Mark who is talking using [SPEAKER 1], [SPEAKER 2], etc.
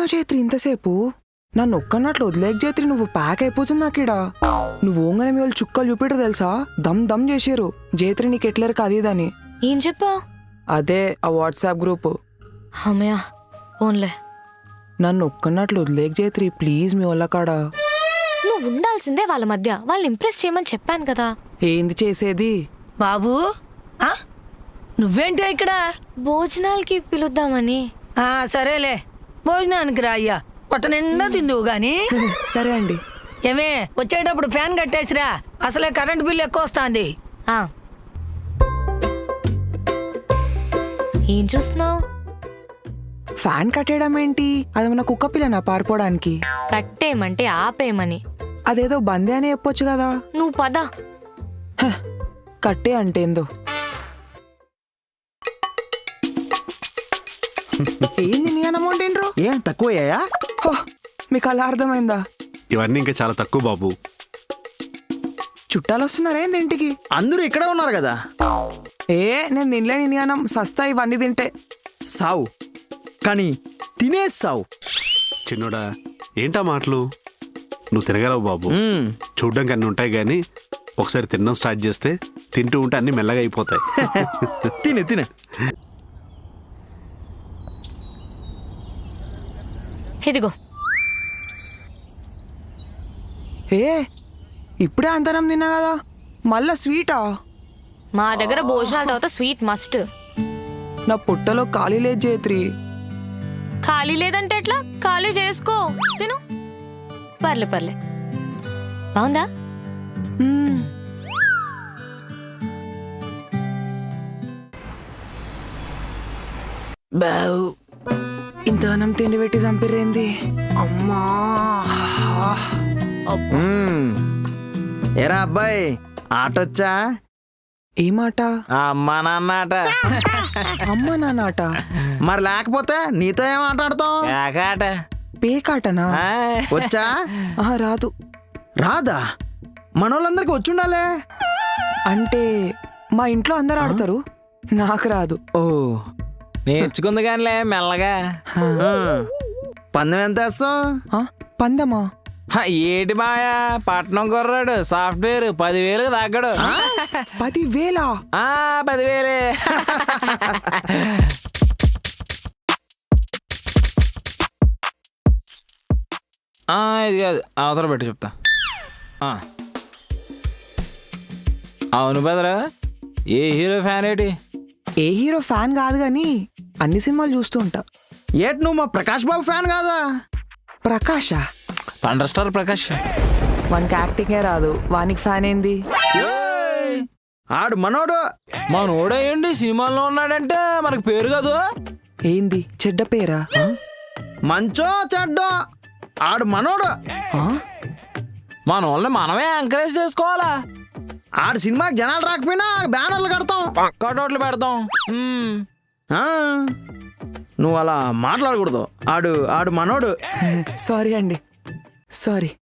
[SPEAKER 1] ఎక్కడున్నావు చైత్రి ఇంతసేపు? నన్ను ఒక్కన్నట్లు వదిలేక చైత్రి, నువ్వు ప్యాక్ అయిపోతుంది నాకిడా. నువ్వు ఓంగనే మీ వాళ్ళు చుక్కలు చూపిడు తెలుసా, దమ్ దమ్ చేసారు జైత్రి నీకు ఎట్లేరు కదీదని.
[SPEAKER 2] ఏం చెప్పా?
[SPEAKER 1] అదే ఆ వాట్సాప్ గ్రూప్.
[SPEAKER 2] అమ్మయ్యా ఓన్లే.
[SPEAKER 1] నన్ను ఒక్కన్నట్లు వదిలేక చైత్రి ప్లీజ్ మీ వాళ్ళ కాడా.
[SPEAKER 2] నువ్వు ఉండాల్సిందే వాళ్ళ మధ్య, వాళ్ళని ఇంప్రెస్ చేయమని చెప్పాను కదా.
[SPEAKER 1] ఏంది చేసేది?
[SPEAKER 3] బాబు నువ్వేంటో ఇక్కడ?
[SPEAKER 2] భోజనాలకి పిలుద్దామని.
[SPEAKER 3] సరేలే, భోజనానికి రా అయ్యా, పొట్ట నిండా తిందువు గాని.
[SPEAKER 1] సరే అండి.
[SPEAKER 3] ఏమే వచ్చేటప్పుడు ఫ్యాన్ కట్టేసిరా, అసలే కరెంట్ బిల్ ఎక్కువ వస్తుంది.
[SPEAKER 2] ఏం చూస్తున్నావు?
[SPEAKER 1] ఫ్యాన్ కట్టేయడం ఏంటి? అదేమన్నా కుక్క పిల్లనా పారిపోవడానికి?
[SPEAKER 2] కట్టేయమంటే ఆపేయమని.
[SPEAKER 1] అదేదో బందే అని చెప్పొచ్చు కదా.
[SPEAKER 2] నువ్వు పద.
[SPEAKER 1] కట్టే అంటే ఏందో. ఏంది నీ అమౌంట్ ఏంట్రో?
[SPEAKER 4] ఏం తక్కువయ్యాయా?
[SPEAKER 1] మీకు అలా అర్థమైందా?
[SPEAKER 5] ఇవన్నీ ఇంకా చాలా తక్కువ బాబు.
[SPEAKER 1] చుట్టాలు వస్తున్నారా ఏంది ఇంటికి?
[SPEAKER 4] అందరూ ఇక్కడే ఉన్నారు కదా.
[SPEAKER 1] నేను తినలేని నీ అన్నం, సస్తా ఇవన్నీ తింటే.
[SPEAKER 4] సావు కానీ తినే సావు.
[SPEAKER 5] చిన్నోడా ఏంటా మాటలు? నువ్వు తినగలవు బాబు. చూడ్డానికి అన్ని ఉంటాయి కానీ ఒకసారి తినడం స్టార్ట్ చేస్తే తింటూ ఉంటే అన్ని మెల్లగా అయిపోతాయి.
[SPEAKER 4] తినే తినే.
[SPEAKER 2] ఇదిగో.
[SPEAKER 1] ఇప్పుడే అంతరం తిన్నా కదా, మళ్ళా స్వీటా?
[SPEAKER 2] మా దగ్గర భోజనాల తర్వాత స్వీట్ మస్ట్.
[SPEAKER 1] నా పుట్టలో ఖాళీ లేదు జైత్రి.
[SPEAKER 2] ఖాళీ లేదంటే ఎట్లా? ఖాళీ చేసుకో, తిను. పర్లే పర్లే, బాగుందా?
[SPEAKER 1] బావు ఇంత అన్నం తిండి పెట్టి చంపిరేంది అమ్మా.
[SPEAKER 4] ఏరా అబ్బాయి, ఆటొచ్చా?
[SPEAKER 1] ఏమాట?
[SPEAKER 4] అమ్మా నాన్న ఆట.
[SPEAKER 1] అమ్మ నాన్నట?
[SPEAKER 4] మరి లేకపోతే నీతో ఏం ఆటాడతాం?
[SPEAKER 1] పేకాటనా?
[SPEAKER 4] వచ్చా?
[SPEAKER 1] రాదు.
[SPEAKER 4] రాదా? మనోళ్ళందరికి వచ్చుండాలే.
[SPEAKER 1] అంటే మా ఇంట్లో అందరు ఆడతారు, నాకు రాదు.
[SPEAKER 4] ఓ నేర్చుకుంది కానిలే మెల్లగా. పందెం ఎంత వేస్తావు?
[SPEAKER 1] పందమా?
[SPEAKER 6] ఏటి మాయా, పట్నం కుర్రాడు సాఫ్ట్వేర్ 10,000 తగ్గడు.
[SPEAKER 1] 10,000?
[SPEAKER 6] 10,000. ఇది కాదు, అవతల పెట్టి చెప్తా. అవును బెదరా, ఏ హీరో ఫ్యాన్ ఏంటి?
[SPEAKER 1] ఏ హీరో ఫ్యాన్ కాదు గాని అన్ని సినిమాలు చూస్తూ ఉంటా.
[SPEAKER 4] ఏటి నువ్వు మా ప్రకాష్ బాబు ఫ్యాన్ కాదా?
[SPEAKER 1] ప్రకాషా?
[SPEAKER 6] Thunder star Prakash.
[SPEAKER 1] వానికి యాక్టింగే రాదు, వానికి ఫ్యాన్ ఏంది?
[SPEAKER 4] ఆడు మనోడు.
[SPEAKER 6] మనోడేంటి సినిమాల్లో ఉన్నాడంటే మనకు పేరు కాదు.
[SPEAKER 1] ఏంది చెడ్డ పేరా?
[SPEAKER 4] మంచో చెడ్డో ఆడు మనోడు.
[SPEAKER 6] మన వాళ్ళని మనమే ఎంకరేజ్ చేసుకోవాలా.
[SPEAKER 4] ఆడు సినిమాకి జనాలు రాకపోయినా బ్యానర్లు కడతాం,
[SPEAKER 6] కటౌట్లు పెడతాం.
[SPEAKER 4] నువ్వు అలా మాట్లాడకూడదు. ఆడు మనోడు.
[SPEAKER 1] సారీ అండి, సారీ.